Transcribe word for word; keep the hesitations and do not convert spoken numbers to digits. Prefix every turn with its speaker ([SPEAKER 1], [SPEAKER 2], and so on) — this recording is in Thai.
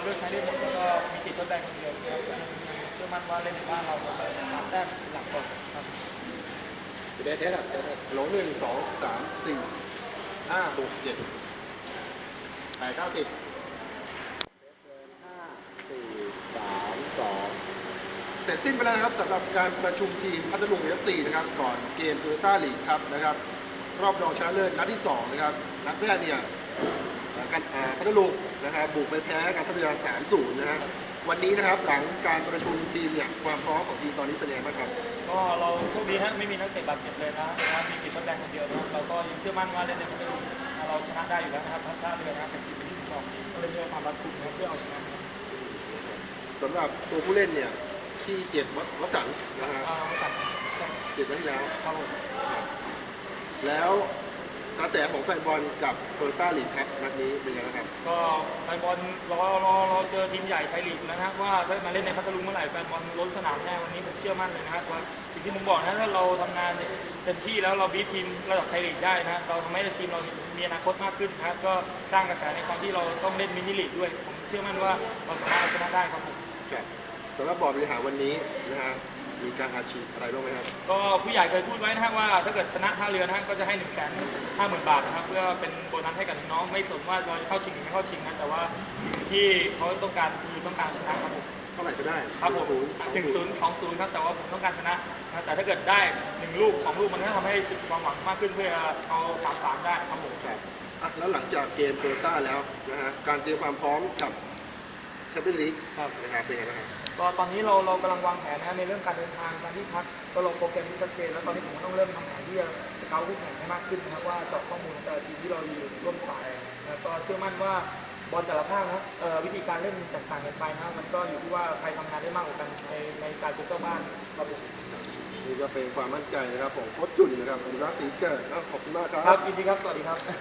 [SPEAKER 1] เลือกใช้ได้หมดแล้วก็มีติดทดแบนคนเดียวนะครับยังเชื่อมั่นว่าเล่นในบ้านเราเราสามแต้มหลักก่อนครับ
[SPEAKER 2] เดทเทสอ่ะโหลหนึ่งสองสามสี่ห้าหกเจ็ดแปดเก้าสิบห้าสี่สามสองเสร็จสิ้นไปแล้วนะครับสำหรับการประชุมทีมพัทลุงเอฟซีนะครับก่อนเกมโตโยต้าลีกครับนะครับรอบรองชนะเลิศนัดที่สองนะครับนัดแรกเนี่ยการพัทลุงนะครับบุกไปแพ้การท่าเรือ สามศูนย์ นะฮะวันนี้นะครับหลังการประชุมทีมเนี่ยความพร้อมของทีมตอนนี้เป็นยังไงบ้างครับ
[SPEAKER 1] ก็เราโชคดีฮะไม่มีนักเตะบาดเจ็บเลยนะครับมีติดทดแบนคนเดียวนะครับเราก็ยังเชื่อมั่นว่าเล่นในพัทลุงเราชนะได้อยู่แล้วนะครับท่าเรือนะครับเป็นสิ่งที่ผมบอกก็เลยมีความรัดกุมนะครับเพื่อเอาชนะ
[SPEAKER 2] สำหรับตัวผู้เล่นเนี่ยที่เจ็บวัสันนะฮะเจ็บนัดที่แล้ว
[SPEAKER 1] ครับ
[SPEAKER 2] แล้วกระแสของแฟนบอลกับโตโยต้าลีกครับนัดนี้เป็นยังไงครับ
[SPEAKER 1] ก็แฟนบอลรอรอรอเจอทีมใหญ่ไทยลีกนะครับว่าถ้ามาเล่นในพัทลุงเมื่อไหร่แฟนบอลล้นสนามแน่วันนี้ผมเชื่อมั่นเลยนะครับว่าสิ่งที่ผมบอกนะถ้าเราทำงานเต็มที่แล้วเราบีททีมระดับไทยลีกได้นะเราทำให้ทีมเรามีอนาคตมากขึ้นนะครับก็สร้างกระแสในความที่เราต้องเล่นมินิลีกด้วยผมเชื่อมั่นว่าเราสามารถเอาชนะได้ครับผม
[SPEAKER 2] สำหรับบอร์ดบริหารวันนี้นะฮะมีการอาชีพอะไรบ้างไหมครับ
[SPEAKER 1] ก็ผู้ใหญ่เคยพูดไว้นะครับว่าถ้าเกิดชนะท่าเรือนะก็จะให้หนึ่งแสนห้าหมื่นบาทนะครับเพื่อเป็นโบนัสให้กับน้องไม่สนว่าเราจะเข้าชิงหรือไม่เข้าชิงนะแต่ว่าที่เขาต้องการคือต้องการชนะครับผม
[SPEAKER 2] เท่าไหร่ก็ได้
[SPEAKER 1] ครับผมหนึ่งศูนย์สองศูนย์ครับแต่ว่าผมต้องการชนะแต่ถ้าเกิดได้หนึ่งลูกสองลูกมันก็ทำให้จุดความหวังมากขึ้นเพื่อเอาสามสามได้ครับผม
[SPEAKER 2] ครับแล้วหลังจากเกมโตโยต้าแล้วนะฮะการเตรียมความพร้อมกับแชมเปี้ยนลีกนะครับเป็นยังไงบ้างครับ
[SPEAKER 1] ก็ตอนนี้เราเรากำลังวางแผนนะในเรื่องการเดินทางการที่พักก็ลงโปรแกรมที่ชัดเจนแล้วตอนนี้ผมต้องเริ่มทำแผนที่จะสเกลคู่แข่งให้มากขึ้นนะครับว่าเจาะข้อมูลแต่ทีมที่เราอยู่ร่วมสายแล้วก็เชื่อมั่นว่าบอลแต่ละภาคนะวิธีการเล่นแตกต่างกันไปนะมันก็อยู่ที่ว่าใครทำงานได้มากกว่ากันในในการเป็นเจ้าบ้านครับ
[SPEAKER 2] นี่ก็เป็นความมั่นใจนะครับของโค้ชจุนนะครับอนุรักษ์ศรีเกิดขอบคุณมากครับ
[SPEAKER 1] ครับยินดีครับสวัสดีครับ